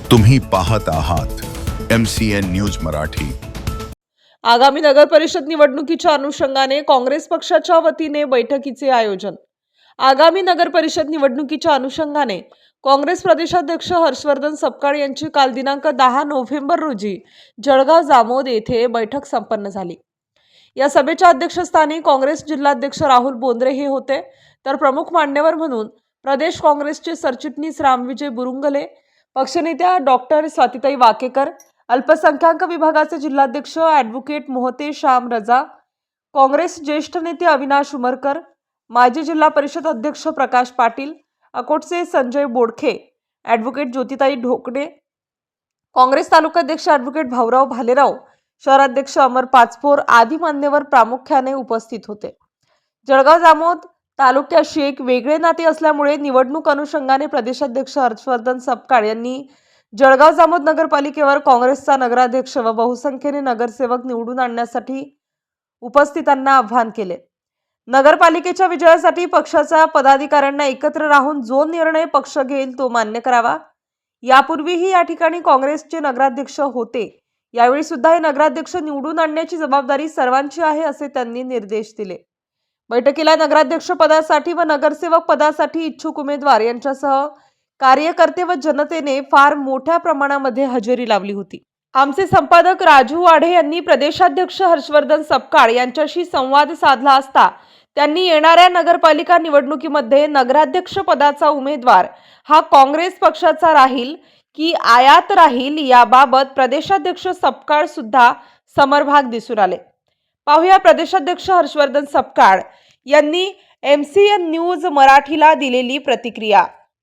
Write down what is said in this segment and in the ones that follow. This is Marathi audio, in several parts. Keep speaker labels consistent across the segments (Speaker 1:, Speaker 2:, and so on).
Speaker 1: तुम्ही पाहत आहात MCN न्यूज मराठी।
Speaker 2: आगामी नगर परिषद निवडणुकीच्या अनुषंगाने काँग्रेस पक्षाच्या वतीने बैठकीचे आयोजन। आगामी नगर परिषद निवडणुकीच्या अनुषंगाने काँग्रेस प्रदेशाध्यक्ष हर्षवर्धन सपकाळ यांची काल दिनांक 10 नोव्हेंबर रोजी जळगाव जामोद येथे बैठक संपन्न झाली। या सभेच्या अध्यक्षस्थानी काँग्रेस जिल्हाध्यक्ष राहुल बोंद्रे हे होते, तर प्रमुख मान्यवर म्हणून प्रदेश काँग्रेसचे सरचिटणीस रामविजय बुरुंगले, पक्षनेत्या डॉक्टर स्वातीताई वाकेकर, अल्पसंख्याक विभागाचे जिल्हाध्यक्ष ॲडव्होकेट मोहते श्याम रजा, काँग्रेस ज्येष्ठ नेते अविनाश उमरकर, माजी जिल्हा परिषद अध्यक्ष प्रकाश पाटील, अकोटचे संजय बोडखे, ॲडव्होकेट ज्योतिताई ढोकणे, काँग्रेस तालुकाध्यक्ष ॲडव्होकेट भाऊराव भालेराव, शहराध्यक्ष अमर पाचपोर आदी मान्यवर प्रामुख्याने उपस्थित होते। जळगाव जामोद तालुक्याशी एक वेगळे नाते असल्यामुळे निवडणूक अनुषंगाने प्रदेशाध्यक्ष हर्षवर्धन सपकाळ यांनी जळगाव जामोद नगरपालिकेवर काँग्रेसचा नगराध्यक्ष व बहुसंख्येने नगरसेवक निवडून आणण्यासाठी उपस्थितांना आवाहन केले। नगरपालिकेच्या विजयासाठी पक्षाच्या पदाधिकाऱ्यांना एकत्र राहून जो निर्णय पक्ष घेईल तो मान्य करावा। यापूर्वीही या ठिकाणी काँग्रेसचे नगराध्यक्ष होते, यावेळी सुद्धा हे नगराध्यक्ष निवडून आणण्याची जबाबदारी सर्वांची आहे असे त्यांनी निर्देश दिले। बैठकीला नगराध्यक्ष पदासाठी व नगरसेवक पदासाठी इच्छुक उमेदवार यांच्यासह कार्यकर्ते व जनतेने फार मोठ्या प्रमाणामध्ये हजेरी लावली होती। आमचे संपादक राजू वाढे यांनी प्रदेशाध्यक्ष हर्षवर्धन सपकाळ यांच्याशी संवाद साधला असता त्यांनी येणाऱ्या नगरपालिका निवडणुकीमध्ये नगराध्यक्ष पदाचा उमेदवार हा काँग्रेस पक्षाचा राहील की आयात राहील याबाबत प्रदेशाध्यक्ष सपकाळ सुद्धा समरभाग दिसून आले। पाहूया प्रदेशाध्यक्ष हर्षवर्धन सपकाळ यांनी MCN न्यूज मराठीला दिलेली प्रतिक्रिया।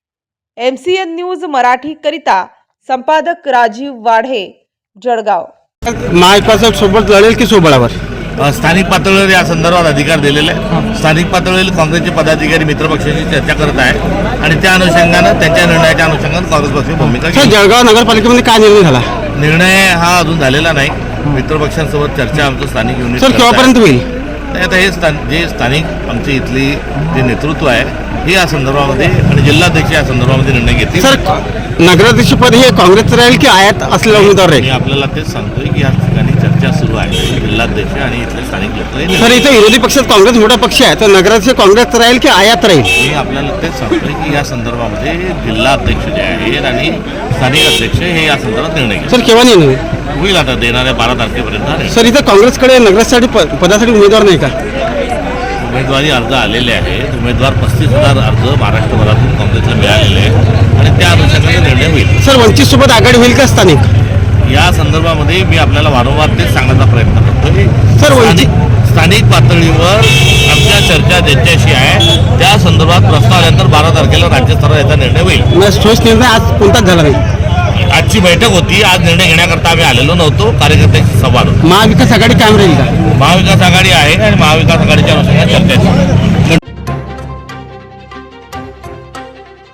Speaker 2: MCN न्यूज मराठी करिता संपादक राजीव वाढे, जळगाव।
Speaker 3: महाविकास सोबत लढेल की सोबळावर?
Speaker 4: स्थानिक पातळीवर या संदर्भात अधिकार दिलेले आहे। स्थानिक पातळीवर काँग्रेसचे पदाधिकारी मित्रपक्षांशी चर्चा करत आहेत आणि त्या अनुषंगाने त्यांच्या निर्णयाच्या अनुषंगाने काँग्रेस पक्षाची भूमिका घेईल।
Speaker 3: जळगाव नगरपालिकेमध्ये काय निर्णय झाला?
Speaker 4: निर्णय हा अजून झालेला नाही। मित्रपक्षांसोबत चर्चा आमचं स्थानिक युनिट
Speaker 3: सर केव्हापर्यंत होईल?
Speaker 4: आता हे जे स्थानिक आमची इथली जे नेतृत्व आहे हे या संदर्भामध्ये आणि जिल्हाध्यक्ष या संदर्भामध्ये निर्णय घेतील।
Speaker 3: सर नगराध्यक्ष पद हे काँग्रेसचं राहील की आयात असलेला उमेदवार राहील?
Speaker 4: मी आपल्याला तेच सांगतोय की या ठिकाणी चर्चा सुरू आहे। जिल्हाध्यक्ष आणि इथले स्थानिक लोक।
Speaker 3: सर इथे विरोधी पक्षात काँग्रेस मोठा पक्ष आहे, तर नगराध्यक्ष काँग्रेसचं राहील की आयात राहील?
Speaker 4: मी आपल्याला तेच सांगतोय की या संदर्भामध्ये जिल्हाध्यक्ष जे आहेत आणि स्थानिक अध्यक्ष हे या संदर्भात निर्णय घेतील।
Speaker 3: सर केव्हा निर्णय
Speaker 4: होईल? आता देणाऱ्या 12 तारखेपर्यंत।
Speaker 3: सर इथे काँग्रेसकडे नगरासाठी पदासाठी उमेदवार नाही का?
Speaker 4: उमेदवारी अर्ज आलेले आहेत। उमेदवार 35,000 अर्ज महाराष्ट्रभरातून काँग्रेसला मिळालेले आहेत आणि त्या अनुषंगाने निर्णय होईल।
Speaker 3: सर वंचित सोबत आघाडी होईल का स्थानिक?
Speaker 4: या संदर्भामध्ये मी आपल्याला वारंवार तेच सांगण्याचा प्रयत्न करतोय।
Speaker 3: सर
Speaker 4: स्थानिक पातळीवर आमच्या चर्चा ज्यांच्याशी आहे त्या संदर्भात प्रस्ताव आल्यानंतर 12 तारखेला राज्यस्तरावर याचा निर्णय होईल।
Speaker 3: ठोस निर्णय आज कोणताच झाला नाही।
Speaker 4: आजची बैठक होती, आज निर्णय घेण्याकरता आम्ही आलेलो नव्हतो। कार्यकर्त्यांची संवाद होता।
Speaker 3: महाविकास आघाडी कायम राहील का?
Speaker 4: महाविकास आघाडी आहे आणि महाविकास आघाडीच्या अनुषंगाने चर्चा